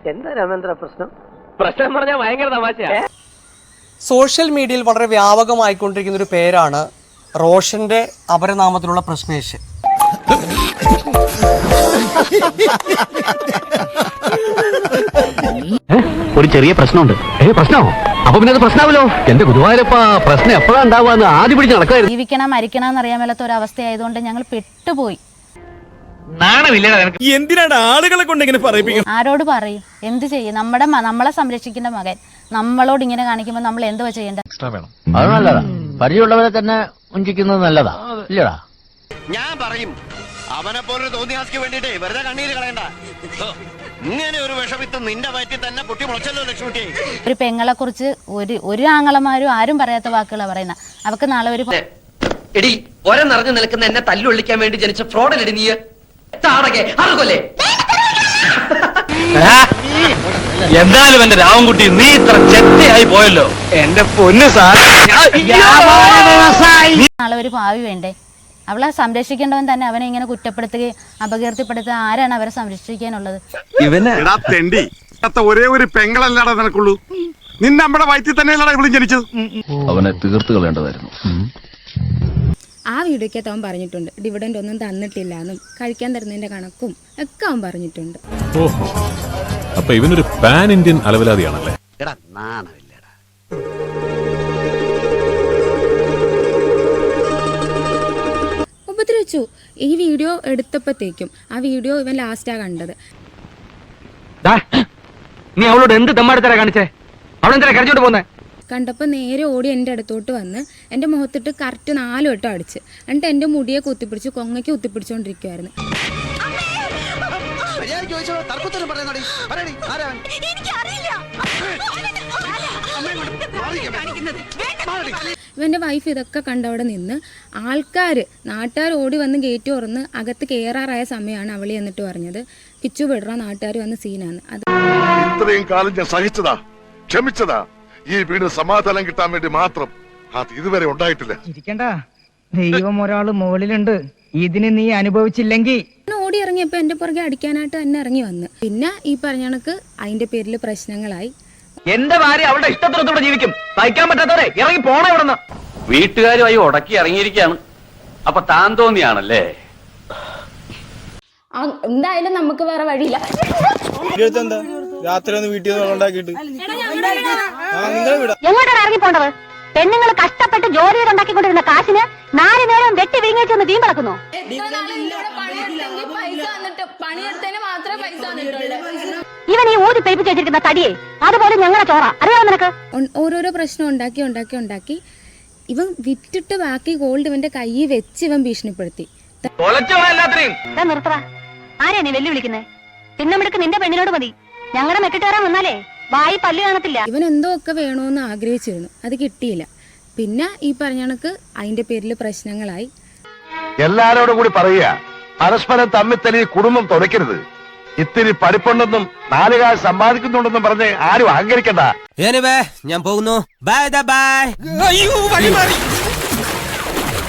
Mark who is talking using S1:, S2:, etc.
S1: എന്താ രാമേന്ദ്ര പ്രശ്നം?
S2: പ്രശ്നം പറഞ്ഞാൽ ഭയങ്കര തമാശയാ.
S3: സോഷ്യൽ മീഡിയയിൽ വളരെ വ്യാപകമായിക്കൊണ്ടിരിക്കുന്ന ഒരു പേരാണ് റോഷന്റെ അപരനാമത്തിലുള്ള പ്രശ്നേഷ്.
S2: ഒരു ചെറിയ പ്രശ്നമുണ്ട്. പ്രശ്നമോ? അപ്പൊ പിന്നെ അത് പ്രശ്നമാവല്ലോ. എന്റെ ഗുരുവായൂരപ്പ പ്രശ്നം എപ്പോഴാ ഉണ്ടാവുക ആദ്യം പിടിച്ച് നടക്കായിരുന്നു.
S4: ജീവിക്കണം മരിക്കണം എന്നറിയാൻ മേലാത്ത ഒരു അവസ്ഥയായതുകൊണ്ട് ഞങ്ങൾ പെട്ടുപോയി.
S5: എന്തിനാണ് ആളുകളെ കൊണ്ട് ഇങ്ങനെ പറയിപ്പിക്കുന്നത്?
S4: ആരോട് പറയും? എന്ത് ചെയ്യും? നമ്മളെ സംരക്ഷിക്കേണ്ട മകൻ നമ്മളോട് ഇങ്ങനെ കാണിക്കുമ്പോൾ നമ്മൾ എന്തുവാ ചെയ്യേണ്ടത്?
S2: അത് നല്ലതാ. പരിചയമുള്ളവരെ തന്നെ ഉഞ്ചിക്കുന്നത് നല്ലതാ ഇല്ലടാ.
S6: ഞാൻ പറയും അവനെ പോലെ തോന്നിയാസ്ക്ക് വേണ്ടിട്ടേ വെറുതെ കണ്ണീര് കളയണ്ട. ഇങ്ങനെ ഒരു വിഷമിത്ത് നിന്റെ വയറ്റിൽ തന്നെ പൊട്ടി മുളച്ചല്ലോ ലക്ഷ്മിക്ക്.
S4: ഒരു പെങ്ങളെ കുറിച്ച് ഒരു ആങ്ങളമാരും ആരും പറയാത്ത വാക്കുകളാ പറയുന്ന. അവക്ക് നാളെ ഒരു
S7: എടി ഒര നിറഞ്ഞു നിൽക്കുന്ന എന്നെ തല്ലുകൊള്ളിക്കാൻ വേണ്ടി ജനിച്ച ഫ്രോഡല്ലേ നീ?
S2: എന്തായാലും എന്റെ രാമൻകുട്ടി നീ ഇത്ര ചെറ്റയായി പോയല്ലോ. എന്റെ പൊന്ന് സാർ,
S4: നാളെ ഒരു ഭാവി വേണ്ടേ? അവളെ സംരക്ഷിക്കേണ്ടവൻ തന്നെ അവനെ ഇങ്ങനെ കുറ്റപ്പെടുത്തുകയും അപകീർത്തിപ്പെടുത്തുക. ആരാണ് അവരെ സംരക്ഷിക്കാനുള്ളത്?
S8: ഒരേ ഒരു പെങ്ങളല്ലാടാ നിനക്കുള്ളൂ. നിന്നെ നമ്മുടെ വയറ്റിൽ തന്നെയല്ലടാ ഇവിടെ ജനിച്ചത്.
S2: അവനെ തീർത്തു കളയേണ്ടതായിരുന്നു.
S9: ആ വീഡിയോക്കകത്ത് അവൻ പറഞ്ഞിട്ടുണ്ട് ഡിവിഡൻഡ് ഒന്നും തന്നിട്ടില്ല എന്നും കഴിക്കാൻ തരുന്നതിന്റെ കണക്കും ഒക്കെ അവൻ പറഞ്ഞിട്ടുണ്ട്.
S5: ഓഹോ, അപ്പൊ ഇവനൊരു പാൻ ഇന്ത്യൻ അലവലാതിയാണല്ലേ?
S9: ഉപദ്രവിച്ചു. ഈ വീഡിയോ എടുത്തപ്പോഴത്തേക്കും ആ വീഡിയോ ഇവൻ ലാസ്റ്റാ കണ്ടത്.
S2: നീ അവളോട് എന്ത് തെമ്മാടിത്തരാ കാണിച്ചേ? അവളെന്താ കരഞ്ഞോട്ട് പോന്നെ?
S9: കണ്ടപ്പോൾ നേരെ ഓടി എൻ്റെ അടുത്തോട്ട് വന്ന് എൻ്റെ മുഖത്തിട്ട് കറക്റ്റ് 4 വട്ടം അടിച്ച്. എന്നിട്ട് എൻ്റെ മുടിയെ കുത്തിപ്പിടിച്ച് കൊങ്ങയ്ക്ക് കുത്തിപ്പിടിച്ചോണ്ടിരിക്കുവായിരുന്നു. ഇവൻ്റെ വൈഫ് ഇതൊക്കെ കണ്ടവിടെ നിന്ന് നാട്ടുകാർ ഓടി വന്ന് ഗേറ്റ് തുറന്ന് അകത്ത് കയറാറായ സമയമാണ് അവളി എന്നിട്ട് പറഞ്ഞത് കിച്ചു വിടറ നാട്ടുകാർ വന്ന് സീനാണ്. അത്
S8: ഇത്രയും കാലം ഞാൻ സഹിച്ചതാ, ക്ഷമിച്ചതാ. ഈ വീട് സമാധാനം കിട്ടാൻ വേണ്ടി മാത്രം. അത് ഇതുവരെ ഉണ്ടായിട്ടില്ല.
S10: ഇരിക്കണ്ട, ദൈവം ഒരാള് മുകളിലുണ്ട്. ഇതിന് നീ അനുഭവിച്ചില്ലെങ്കിൽ.
S9: ഓടി ഇറങ്ങിയപ്പോ എന്റെ പുറകെ അടിക്കാനായിട്ട് തന്നെ ഇറങ്ങി വന്ന്. പിന്നെ ഈ പറഞ്ഞ കണക്ക് അതിന്റെ പേരിൽ പ്രശ്നങ്ങളായി.
S2: എന്റെ ഭാര്യ അവളുടെ ഇഷ്ടത്തോടെ ജീവിക്കും. സഹിക്കാൻ പറ്റാത്തവരെ ഇറങ്ങി പോണ ഇവിടുന്ന്. വീട്ടുകാരുമായി ഉടക്കി ഇറങ്ങിയിരിക്കുകയാണ്. അപ്പൊ താൻ തോന്നിയാണല്ലേ?
S9: എന്തായാലും നമുക്ക് വേറെ വഴിയില്ല.
S10: രാത്രി ഒന്ന് വീട്ടിൽ ഉണ്ടാക്കിയിട്ട്
S4: എങ്ങോട്ടാണ് ഇറങ്ങി പോണ്ടത്? പെണ്ണുങ്ങൾ കഷ്ടപ്പെട്ട് ജോലി ഉണ്ടാക്കിക്കൊണ്ടിരുന്ന കാശിന് 4 നേരം വെട്ടി വിഴുങ്ങിച്ചൊന്ന് വീം കിടക്കുന്നു. ഇവൻ ഈ ഊതി പെരുപ്പിച്ച് വെച്ചിരിക്കുന്ന തടിയെ അതുപോലെ ഞങ്ങളെ ചോറ അറിയാമോ നിനക്ക്?
S9: ഓരോരോ പ്രശ്നം ഉണ്ടാക്കി ഇവൻ വിറ്റിട്ട് ബാക്കി ഗോൾഡ് ഇവന്റെ കയ്യിൽ വെച്ച് ഇവൻ ഭീഷണിപ്പെടുത്തി.
S4: നിർത്തറ, ആരെയാ നീ വെല്ലുവിളിക്കുന്നേ? പിന്നെടുക്ക് നിന്റെ പെണ്ണിനോട് മതി. ഞങ്ങളുടെ മെക്കിട്ടേറാൻ വന്നാലേ വായി പല്ല് കാണത്തില്ല.
S9: ഇവൻ എന്തോ ഒക്കെ വേണോന്ന് ആഗ്രഹിച്ചിരുന്നു, അത് കിട്ടിയില്ല. പിന്നെ ഈ പറഞ്ഞ കണക്ക് അതിന്റെ പേരിൽ പ്രശ്നങ്ങളായി.
S6: എല്ലാരോടും കൂടി പറയുക, പരസ്പരം തമ്മിൽ തല്ലി കുടുംബം തുറക്കരുത്. ഇത്തിരി പഠിപ്പുണ്ടെന്നും 4 കാശ് സമ്പാദിക്കുന്നുണ്ടെന്നും പറഞ്ഞ് ആരും അഹങ്കരിക്കണ്ട.
S3: ഞാൻ പോകുന്നു. Bye by.